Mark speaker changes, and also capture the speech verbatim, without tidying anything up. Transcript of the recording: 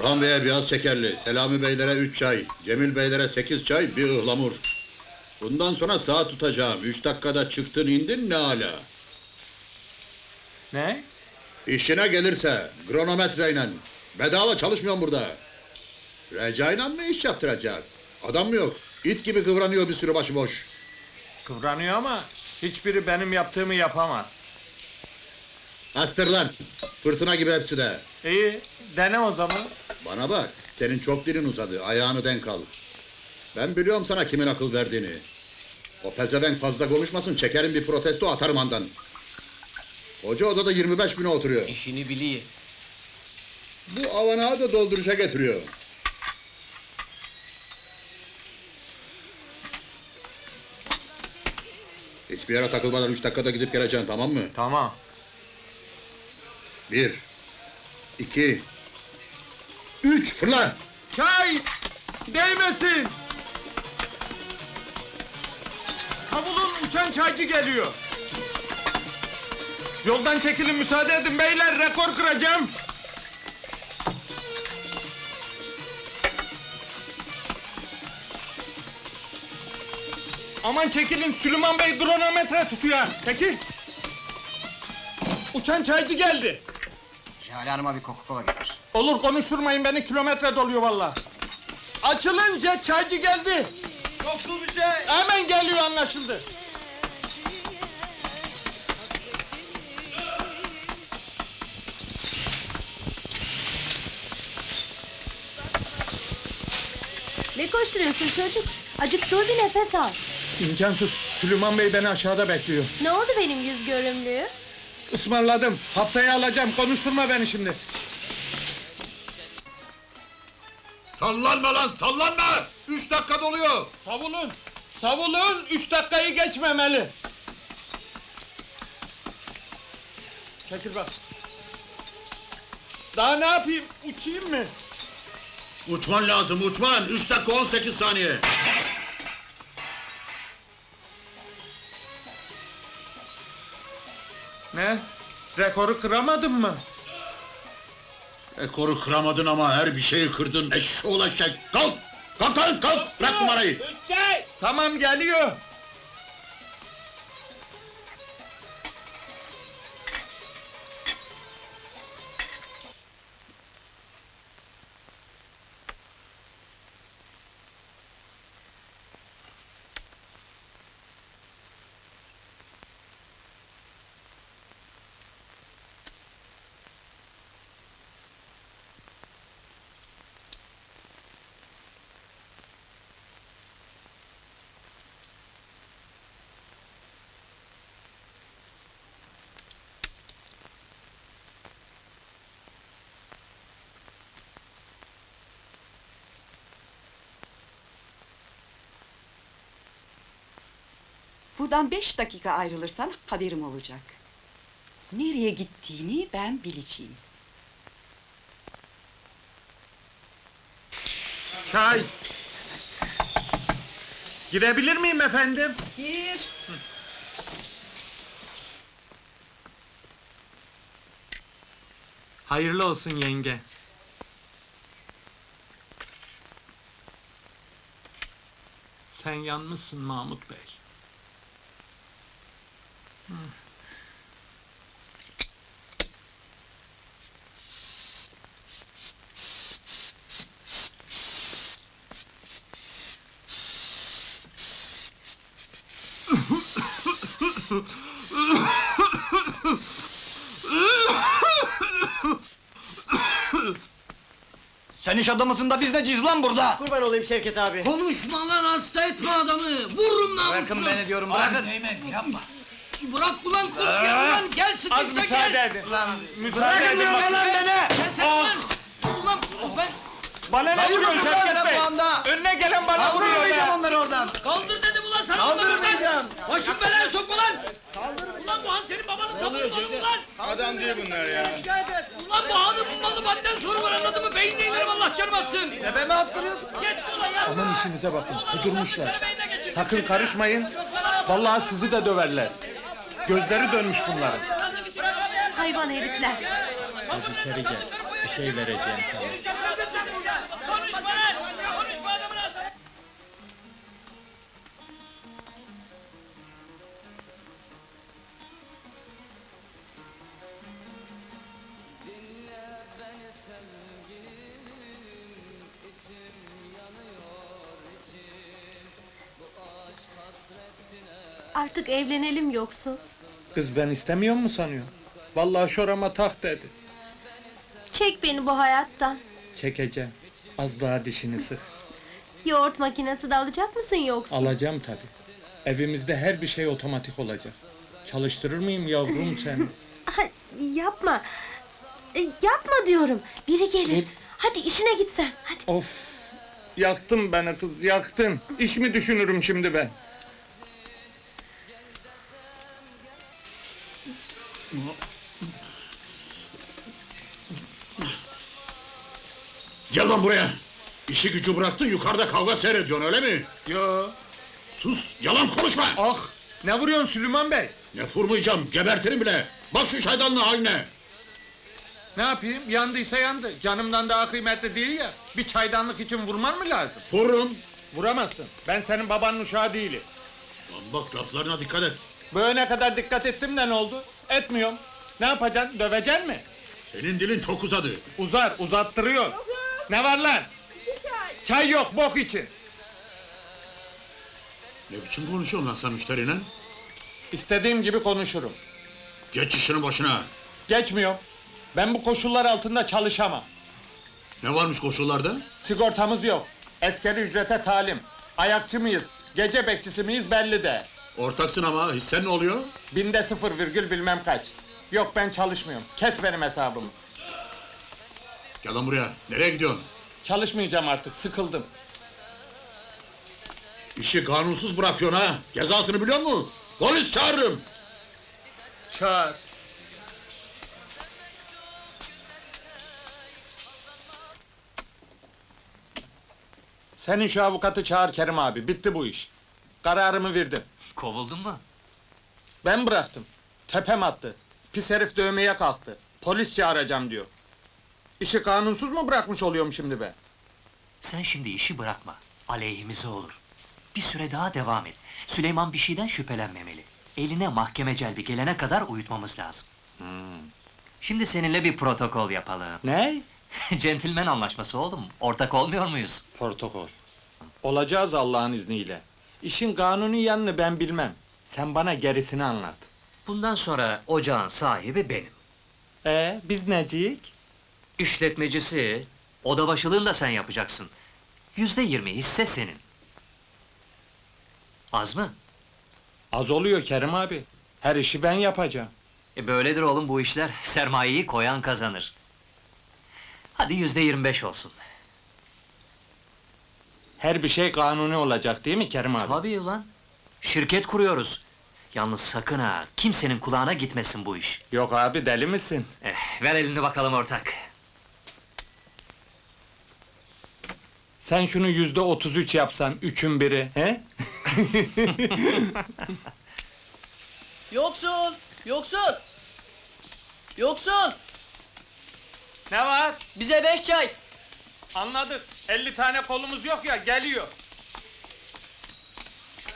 Speaker 1: Orhan Bey'e biraz şekerli, Selami Beylere üç çay, Cemil Beylere sekiz çay, bir ıhlamur. Bundan sonra saat tutacağım, üç dakikada çıktın indin ne âlâ.
Speaker 2: Ne?
Speaker 1: İşine gelirse, kronometreyle. Bedava çalışmıyorum burada. Recai'yle mı iş yaptıracağız? Adam mı yok? İt gibi kıvranıyor bir sürü başıboş.
Speaker 2: Kıvranıyor ama hiçbiri benim yaptığımı yapamaz.
Speaker 1: Astır lan! Fırtına gibi hepsi de.
Speaker 2: İyi, dene o zaman.
Speaker 1: Bana bak, senin çok dilin uzadı, ayağını denk al. Ben biliyorum sana kimin akıl verdiğini. O pezevenk fazla konuşmasın, çekerim bir protesto atarım andan. Hoca odada yirmi beş bine oturuyor.
Speaker 3: İşini biliyor.
Speaker 1: Bu avanağı da dolduruşa getiriyor. Hiçbir yere takılmadan üç dakikada gidip geleceksin, tamam mı?
Speaker 2: Tamam.
Speaker 1: Bir, iki, üç, fırla!
Speaker 2: Çay! Değmesin! Savulun, uçan çaycı geliyor. Yoldan çekilin, müsaade edin beyler, rekor kıracağım. Aman çekilin, Süleyman Bey kronometre tutuyor. Peki. Uçan çaycı geldi.
Speaker 3: Jale Hanım'a bir Coca-Cola getir.
Speaker 2: Olur, konuşturmayın beni, kilometre doluyor vallahi. Açılınca çaycı geldi. Yoksul bir şey. Hemen geliyor, anlaşıldı.
Speaker 4: Ne koşturuyorsun çocuk? Acık dur bir nefes al.
Speaker 2: İmkansız, Süleyman Bey beni aşağıda bekliyor.
Speaker 4: Ne oldu benim yüz görümlüğü?
Speaker 2: Ismarladım, haftaya alacağım, konuşturma beni şimdi.
Speaker 1: Sallanma lan, sallanma! Üç dakika doluyor!
Speaker 2: Savulun, savulun, üç dakikayı geçmemeli. Çekil bak. Daha ne yapayım, uçayım mı?
Speaker 1: Uçman lazım, uçman! Üç dakika on sekiz saniye!
Speaker 2: Ne? Rekoru kıramadın mı?
Speaker 1: Ekoru kıramadın ama her bir şeyi kırdın, eşşoğlu eşek! Kalk! Kalk kalk kalk! Bırak numarayı!
Speaker 2: Tamam, geliyor.
Speaker 5: Buradan beş dakika ayrılırsan haberim olacak. Nereye gittiğini ben bileceğim.
Speaker 2: Çay! Girebilir miyim efendim?
Speaker 5: Gir.
Speaker 2: Hayırlı olsun yenge. Sen yanmışsın Mahmut Bey. Hı.
Speaker 3: Sen iş adamısın da biz neciyiz lan burada?
Speaker 6: Kurban olayım Şevket abi.
Speaker 7: Konuşma lan, hasta etme adamı! Vururum namusunu!
Speaker 3: Bırakın beni diyorum, bırakın!
Speaker 7: Değmez, yapma! Bırak ulan, korkuyorum lan! Gel,
Speaker 2: Az
Speaker 7: sıkışsa
Speaker 2: müsaade
Speaker 7: gel!
Speaker 2: edin.
Speaker 3: Lan,
Speaker 2: Müsaade edin
Speaker 3: diyorum
Speaker 2: bakayım.
Speaker 3: lan beni!
Speaker 7: Sen sen lan! Ulan, ben...
Speaker 2: Bana ne
Speaker 3: Hayır
Speaker 2: vuruyorsun
Speaker 3: mısın lan
Speaker 2: Şevket
Speaker 3: sen
Speaker 2: Bey?
Speaker 3: bu anda?
Speaker 2: Önüne gelen bana vuruyor
Speaker 3: Kaldırmayacağım
Speaker 2: ya!
Speaker 3: onları oradan!
Speaker 7: Kaldır dedim ulan sana!
Speaker 6: Kaldırmayacağım.
Speaker 7: Başım belaya sokma lan! Ulan bu han senin babanın tabanı ulan!
Speaker 6: Adam değil bunlar ya.
Speaker 7: Ulan bu hanı bulmalı, benden soru var, anladın mı? Beynine inerim, Allah canım atsın!
Speaker 3: Tepeme attırıyorsun!
Speaker 7: Git ulan ya!
Speaker 2: Aman işinize bakın, kudurmuşlar.
Speaker 7: Beynine geçir.
Speaker 2: Sakın karışmayın, vallahi sizi de döverler. Gözleri dönmüş bunların.
Speaker 4: Hayvan herifler.
Speaker 2: Az içeri gel. Bir şey vereceğim sana.
Speaker 7: Konuşma lan! Konuşma adamın ağzına!
Speaker 4: Artık evlenelim yoksa.
Speaker 2: Kız ben istemiyor mu sanıyor? Vallahi şorama tak dedi.
Speaker 4: Çek beni bu hayattan.
Speaker 2: Çekeceğim. Az daha dişini sık.
Speaker 4: Yoğurt makinesi de alacak mısın yoksa?
Speaker 2: Alacağım tabii. Evimizde her bir şey otomatik olacak. Çalıştırır mıyım yavrum seni?
Speaker 4: Ha, yapma. E, yapma diyorum. Biri gelir. Hadi işine git sen. Hadi.
Speaker 2: Of! Yaktın beni kız, yaktın. İş mi düşünürüm şimdi ben?
Speaker 1: Gel lan buraya! İşi gücü bıraktın, yukarıda kavga seyrediyorsun, öyle mi?
Speaker 2: Yo!
Speaker 1: Sus, yalan konuşma!
Speaker 2: Ah! Ne vuruyorsun Süleyman Bey?
Speaker 1: Ne vurmayacağım, gebertirim bile! Bak şu çaydanlığın haline!
Speaker 2: Ne yapayım? Yandıysa yandı. Canımdan daha kıymetli değil ya. Bir çaydanlık için vurman mı lazım?
Speaker 1: Vururum!
Speaker 2: Vuramazsın. Ben senin babanın uşağı değilim.
Speaker 1: Lan bak, laflarına dikkat et!
Speaker 2: Böyle kadar dikkat ettim de ne oldu? Etmiyorum. Ne yapacaksın? Döveceksin mi?
Speaker 1: Senin dilin çok uzadı!
Speaker 2: Uzar, uzattırıyor. Ne var lan?
Speaker 4: Çay.
Speaker 2: Çay yok, bok için.
Speaker 1: Ne biçim konuşuyorsun lan sen müşteriyle?
Speaker 2: İstediğim gibi konuşurum.
Speaker 1: Geç işinin başına!
Speaker 2: Geçmiyorum. Ben bu koşullar altında çalışamam.
Speaker 1: Ne varmış koşullarda?
Speaker 2: Sigortamız yok. Askeri ücrete talim. Ayakçı mıyız, gece bekçisi miyiz belli de.
Speaker 1: Ortaksın ama, hissen ne oluyor?
Speaker 2: Binde sıfır virgül bilmem kaç. Yok ben çalışmıyorum. Kes benim hesabımı.
Speaker 1: Gel lan buraya, nereye gidiyorsun?
Speaker 2: Çalışmayacağım artık, sıkıldım.
Speaker 1: İşi kanunsuz bırakıyorsun ha! Cezasını biliyor musun? Polis çağırırım!
Speaker 2: Çağır. Senin şu avukatı çağır Kerim abi, bitti bu iş. Kararımı verdim.
Speaker 7: Kovuldun mu?
Speaker 2: Ben bıraktım. Tepem attı. Pis herif dövmeye kalktı. Polis çağıracağım diyor. İşi kanunsuz mu bırakmış oluyorum şimdi be?
Speaker 8: Sen şimdi işi bırakma. Aleyhimize olur. Bir süre daha devam et. Süleyman bir şeyden şüphelenmemeli. Eline mahkeme celbi gelene kadar uyutmamız lazım. Şimdi seninle bir protokol yapalım.
Speaker 2: Ne?
Speaker 8: Centilmen anlaşması oğlum. Ortak olmuyor muyuz?
Speaker 2: Protokol. Olacağız Allah'ın izniyle. İşin kanuni yanını ben bilmem. Sen bana gerisini anlat.
Speaker 8: Bundan sonra ocağın sahibi benim.
Speaker 2: Ee, biz neciyik?
Speaker 8: İşletmecisi, oda başılığını da sen yapacaksın. Yüzde yirmi hisse senin. Az mı?
Speaker 2: Az oluyor Kerim abi. Her işi ben yapacağım.
Speaker 8: E böyledir oğlum bu işler. Sermayeyi koyan kazanır. Hadi yüzde yirmi beş olsun.
Speaker 2: Her bir şey kanuni olacak değil mi Kerim abi?
Speaker 8: Tabii ulan. Şirket kuruyoruz. Yalnız sakın ha, kimsenin kulağına gitmesin bu iş.
Speaker 2: Yok abi, deli misin?
Speaker 8: Eh, ver elini bakalım ortak.
Speaker 2: Sen şunu yüzde otuz üç yapsan, üçün biri, he?
Speaker 6: Yoksul! Yoksul! Yoksul!
Speaker 2: Ne var?
Speaker 6: Bize beş çay!
Speaker 2: Anladık. elli tane kolumuz yok ya, geliyor.